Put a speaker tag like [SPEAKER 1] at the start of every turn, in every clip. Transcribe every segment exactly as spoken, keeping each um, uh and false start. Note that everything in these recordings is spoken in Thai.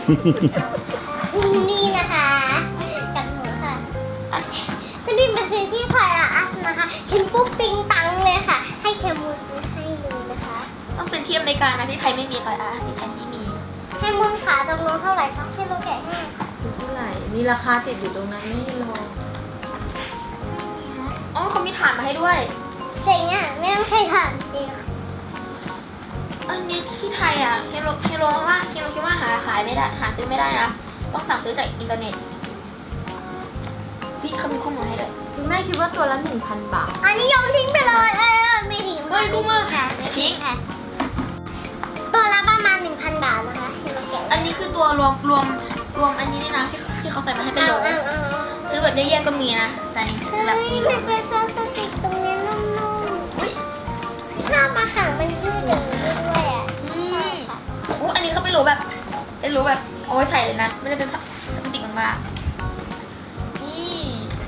[SPEAKER 1] นี่นะคะกับหนูค่ะจะบินไปซื้อที่พาราอัสนะคะเห็นปุ๊บปิงตังเลยค่ะให้เคมูซื้อให้เลยนะคะ
[SPEAKER 2] ต้องเป็นที่อเมริกานะที่ไทยไม่มีค่ะอ่ะที่ไทยไม่มี
[SPEAKER 1] ให้มุนขาตรงนู้นเท่าไหร่คะให้เราแกะให้ค่ะ
[SPEAKER 3] เท่าไหร่มีราคาติดอยู่ตรงนั้นไม่ให้ลอง
[SPEAKER 2] อ๋อเขามีฐานมาให้ด้วย
[SPEAKER 1] เจ๋งอ่ะไม่ต้องใช้ถ่านเองค่ะ
[SPEAKER 2] อันนี้ที่ไทยอ่ะเฮโรเฮโรว่าเฮโรชิว่าหาขายไม่ได้หาซื้อไม่ได้นะต้องสั่งซื้อจากอินเทอร์เน็ตพี่เขามีข้อมูลให้เลย
[SPEAKER 3] คุณแม่คิดว่าตัวละหนึ่งพันบาท
[SPEAKER 1] อันนี้โยนทิ้งไปเลยเออไม่ถึง
[SPEAKER 2] เฮ้ยคู่มือ
[SPEAKER 1] ค่ะ
[SPEAKER 2] ทิ้ง
[SPEAKER 1] ค่ะตัวละประมาณหนึ่งพันบาทนะคะให้เราแกะ
[SPEAKER 2] อันนี้คือตัวรวมรวมรวมอันนี้นี่นะที่ที่เขาใส่มาให้เป็นโหล
[SPEAKER 1] เอาเอาเอา
[SPEAKER 2] ซื้อแบบแยกๆก็มีนะแต่อันนี้
[SPEAKER 1] เฮ้
[SPEAKER 2] แบบ
[SPEAKER 1] ย
[SPEAKER 2] มีโหล
[SPEAKER 1] มันเป็นพลาสติกตรงนี้นุ่ม
[SPEAKER 2] อุ้ย
[SPEAKER 1] ๆชอบมาหางมันยืดอย่างนี้ด้วยอ่ะ
[SPEAKER 2] อืมอู้อันนี้เขาเป็นโหลแบบเป็นโหลแบบเอาไว้ใส่เลยนะไม่ได้เป็นพลาสติกบางๆนี่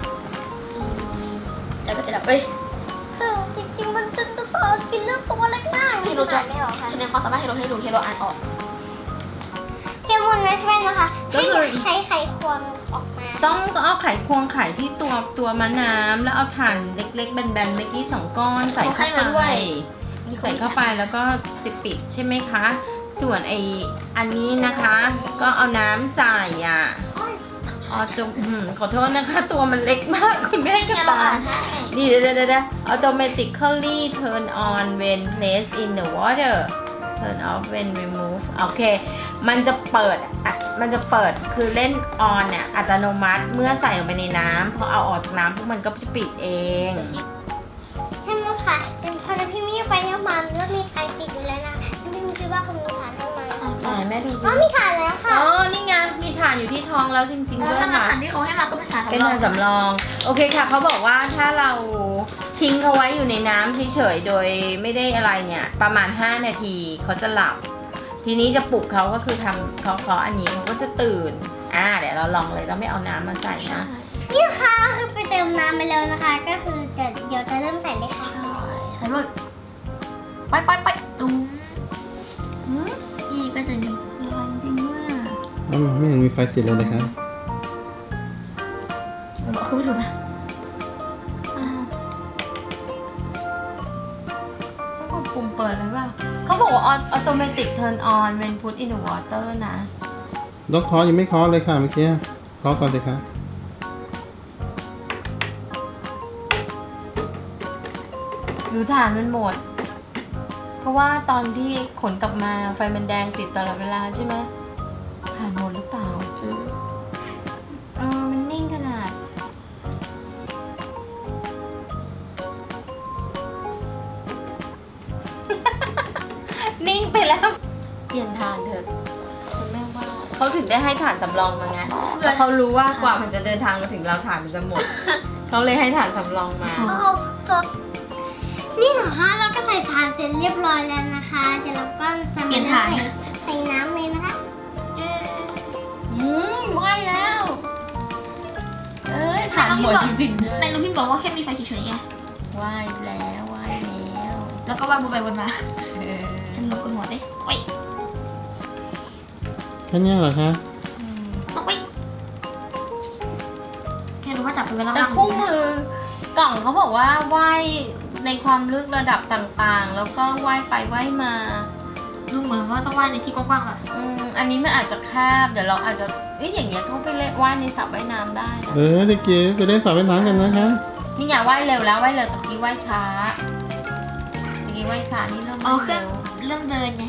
[SPEAKER 2] แล้วก็จะแบบเอ้ย
[SPEAKER 1] คือจริงๆมันจะจะสอนกินเรื่องตัวเล็กมาก
[SPEAKER 2] เฮโรจะ
[SPEAKER 1] ไม่หรอกค่ะ
[SPEAKER 2] คะแนนความสามารถเฮโรให้ดูเฮโรอ่านออก
[SPEAKER 1] เคมุนนะใช่ไหมนะคะให้ใช้ไขควงออกมา
[SPEAKER 3] ต้องต้องเอาไขควงไขที่ตัวตัวมะน้ำแล้วเอาถ่านเล็กๆแบนๆเมื่อกี้สองก้อนใส่เข้าไปใส่เข้าไปแล้วก็ติดปิดใช่ไหมคะ ส่วนไออันนี้นะคะ ก็เอาน้ำใส่อ่ะอ๋อจมอืมขอโทษนะคะ ตัวมันเล็กมากคุณแม่ก็
[SPEAKER 2] เฮโร
[SPEAKER 3] ตา
[SPEAKER 2] อ่านให้
[SPEAKER 3] นี่เดี๋ยวเดี๋ยวเดี๋ยว automatically turn on when placed in the water turn off when remove โอเค มันจะเปิดอ่ะมันจะเปิดคือเล่น on เนี่ยอัตโนมัติเมื่อใส่ลงไปในน้ำพอเอาออกจากน้ำพวกมันก็จะปิดเอง
[SPEAKER 1] ใช่ไหมคะเป็นพอพี่มี่ไปเนี่ยมันก็มีใครปิดอยู่แล้วนะพี่มี่คิดว่าคุณมีฐานทำไม
[SPEAKER 3] ไหนแม่ดูสิ
[SPEAKER 1] อ๋อมีฐานแล้วค่ะ
[SPEAKER 3] อ๋อ นี่ไง มีฐานอยู่ที่ท้องแล้วจริงๆ
[SPEAKER 2] แล้ว
[SPEAKER 3] ด้วย
[SPEAKER 2] ถ้า
[SPEAKER 3] ค่ะ
[SPEAKER 2] ฐานที่เขาให้มาก็เป็นฐาน
[SPEAKER 3] เป็นฐานสำรอง โอเคค่ะ เขาบอกว่าถ้าเราทิ้งเขาไว้อยู่ในน้ำเฉยๆ โดยไม่ได้อะไรเนี่ย ประมาณ ห้า นาทีเขาจะหลับ ทีนี้จะปลุกเขาก็คือทำเขาเขาอันนี้เขาก็จะตื่น อ่า เดี๋ยวเราลองเลยเราไม่เอาน้ำมาใส่นะ
[SPEAKER 1] นี่ค่ะคือไปเติมน้ำไปแล้วนะคะ ก็คือจะเดี๋ยวจะเริ่มใส่เลยค่ะ
[SPEAKER 2] ใส่เลยไปไปไปตุ้มอีก็จะมี
[SPEAKER 3] ร้อนจริงว่า
[SPEAKER 4] อ้าวไม่เห็นมีไฟติดเลยนะครับ
[SPEAKER 2] บอกคือไม่ถูกนะ
[SPEAKER 3] ต้องกดปุ่มเปิดเลยว่าเขาบอกว่า automatic turn on when put in the water นะ
[SPEAKER 4] ล็อกคอยังไม่เคอเลยค่ะเมื่อกี้เคอก่อนเลยค่ะ
[SPEAKER 3] หรือถ่านมันหมด เพราะว่าตอนที่ขนกลับมาไฟมันแดงติดตลอดเวลาใช่ไหมถ่านหมดหรือเปล่าเออเออมันนิ่งขนาด นิ่งไปแล้ว เปลี่ยนถ่านเถอะคุณแม่ว่าเขาถึงได้ให้ถ่านสำรองมาไงเพราะเขารู้ว่ากว่ามันจะเดินทางมาถึงเราถ่านมันจะหมด เขาเลยให้ถ่านสำรองมา
[SPEAKER 1] เขาตัวนี่เหรอคะเราก็ใส่ฐานเสร็จเรียบร้อยแล้วนะคะเดี๋ยวเราก็จะมาใส่ใส่น้ำเลยนะคะ
[SPEAKER 3] อืมไหวแล้ว เอ้ยถ่านหมดจริงๆ
[SPEAKER 2] ในน้องพี่บอกว่าแค่มีไฟเฉยๆไง
[SPEAKER 3] ไหวแล้วไหวแล้ว
[SPEAKER 2] แล้วก็ว่างวนไปวนมา
[SPEAKER 3] เออ
[SPEAKER 2] เป็นลมกันหัวเด้โอ้ย
[SPEAKER 4] แค่เนี้ยเหรอคะ
[SPEAKER 3] อืม
[SPEAKER 2] ต้องไปแค่รู้ว่าจับเป็นเวลา
[SPEAKER 3] แต่คู่มือกล่องเขาบอกว่าไหวในความลึกระดับต่างๆ แล้วก็ไหวไปไหวมา
[SPEAKER 2] ดูเหมือนว่าต้องว่ายในที่กว้างๆอ่ะ
[SPEAKER 3] อืมอันนี้มันอาจจะแคบเดี๋ยวเราอาจจะเอ๊ะอย่างเงี้ยเขาไปเล่นว่ายในสระว่ายน้ำได้นะ
[SPEAKER 4] เออเด็กจิ๋วไปเล่นสระว่ายน้ำกันนะคะ
[SPEAKER 3] นี่อย่าว่ายเร็วแล้วว่ายเร็วตะกี้ว่ายช้าตะกี้ว่ายช้านี่เริ่ม
[SPEAKER 2] อ๋อ
[SPEAKER 3] ว่าย
[SPEAKER 2] เครื่
[SPEAKER 3] เร็
[SPEAKER 2] อง
[SPEAKER 3] ว
[SPEAKER 2] เริ่มเดินไง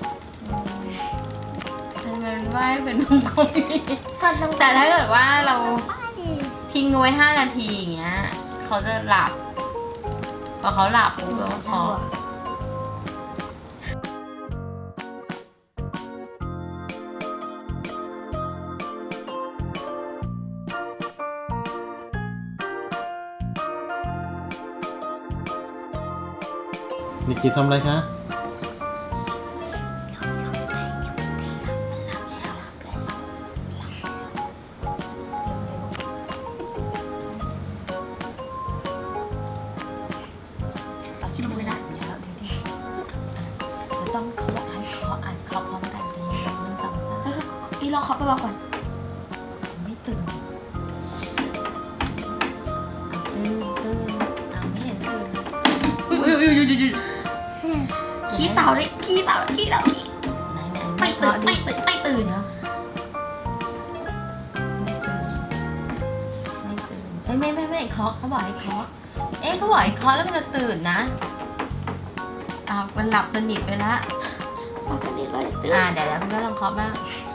[SPEAKER 3] ทำไมมันว่ายเป็นวงกลมอย่างนี้
[SPEAKER 1] กดลง
[SPEAKER 3] แต่ถ้าเกิดว่าเรา
[SPEAKER 1] ไป
[SPEAKER 3] ทิ้งเอาไว้ห้านาทีอย่างเงี้ยเขาจะหลับพอเขาหลับปุ๊บแล้วพอ
[SPEAKER 4] เด็กจิ๋วทำอะไรคะ
[SPEAKER 2] พี่ลงมือละ
[SPEAKER 3] เดี๋ยวเราดูดิเราต้องเขาบอกให้เคาะอ่านเคาะพร้อมกันดีหนึ่งสองสาม
[SPEAKER 2] อีลองเคาะเบาๆก่อน
[SPEAKER 3] ไม่ตื่นตื่นตื่นเอาไม่เห็นตื่นเลย
[SPEAKER 2] อุ้ยอุ้ยอุ้ยอุ้ยอุ้ยขี้เสาเลยขี้เสาขี้เสาขี้
[SPEAKER 3] ไหนไหน
[SPEAKER 2] ไม่ตื่นไม่ตื่นไม่ตื่น
[SPEAKER 3] เดี๋ยวไม่ตื่นไม่ตื่นเอ้ยไม่ไม่ไม่เคาะเขาบอกให้เคาะเอ๊ะเขาบอกให้เคาะแล้วมันจะตื่นนะอ้าวมันหลับสนิทไปละ
[SPEAKER 2] พอสนิทเลยตื่น
[SPEAKER 3] อ่าเดี๋ยวเดี๋ยวคุณก็ลองเคาะบ้าง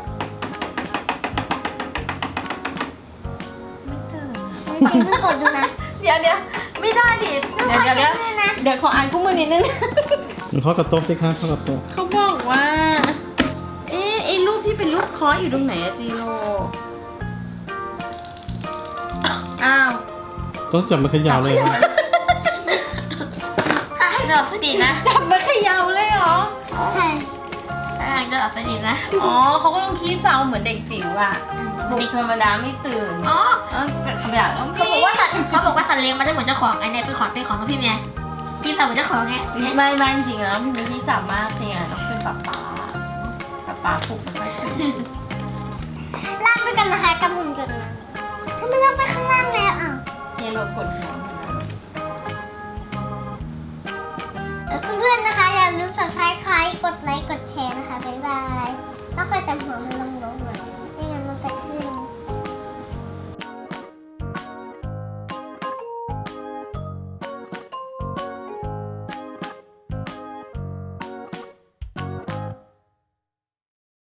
[SPEAKER 3] ไม่ตื่นอะ
[SPEAKER 1] จริงๆเพิ่งกดดูนะ
[SPEAKER 3] เดี๋ยวเดี๋ยวไม่ได้ดิเดี๋ยวเดี๋ยวเดี๋ยว
[SPEAKER 1] ขอเช็คด้วยนะ
[SPEAKER 3] เดี๋ยวขออ่านคู่มือนิดนึง
[SPEAKER 4] เคาะกับโต๊ะสิคะเคาะกับโต๊ะ
[SPEAKER 3] เขาบอกว่า เอ๊ะไอ้รูปที่เป็นรูปเคออยู่ตรงไหนอะจีโร่อ้าว
[SPEAKER 4] ต้องจับมันเขยาวเลยนะ
[SPEAKER 2] ถ้าให้จะหลับสนิทนะ
[SPEAKER 3] จับมาเขย่าเลยเหรอ
[SPEAKER 1] ใช่
[SPEAKER 2] ถ้าให้จะหลับสนิทนะ
[SPEAKER 3] อ๋อเขาก็ต้องขี้เศร้าเหมือนเด็กจิ๋วอะปลุกธรรมดาไม่ตื่น
[SPEAKER 2] อ๋อ
[SPEAKER 3] เออแต่ขยะต้อง
[SPEAKER 2] เขาบอกว่าสัตว์เขาบอกว่าสัตว์เลี้ยงมันจะเหมือนเจ้าของไอ้เนี่ยเป็นของเป็นของตัวพี่ไงพี่สาวเหมือนเจ้าของไงเนี่ย
[SPEAKER 3] ไม่ไม่จริงๆแล้วพี่มีขี้จับมากเนี่ยต้องเป็นป๊าป๊าป๊าป๊าปลุกมันไม่ตื่น
[SPEAKER 1] ลากไปกันนะคะกับหุ่นจดมาทำไมลากไปข้างล่างแล้วอ่ะ
[SPEAKER 3] เฮโลกดหัวมันนะ
[SPEAKER 1] เพื่อนๆนะคะอย่าลืม subscribe กดไลค์กดแชร์นะคะบ๊ายบายแล้วคอยจำหัวมันล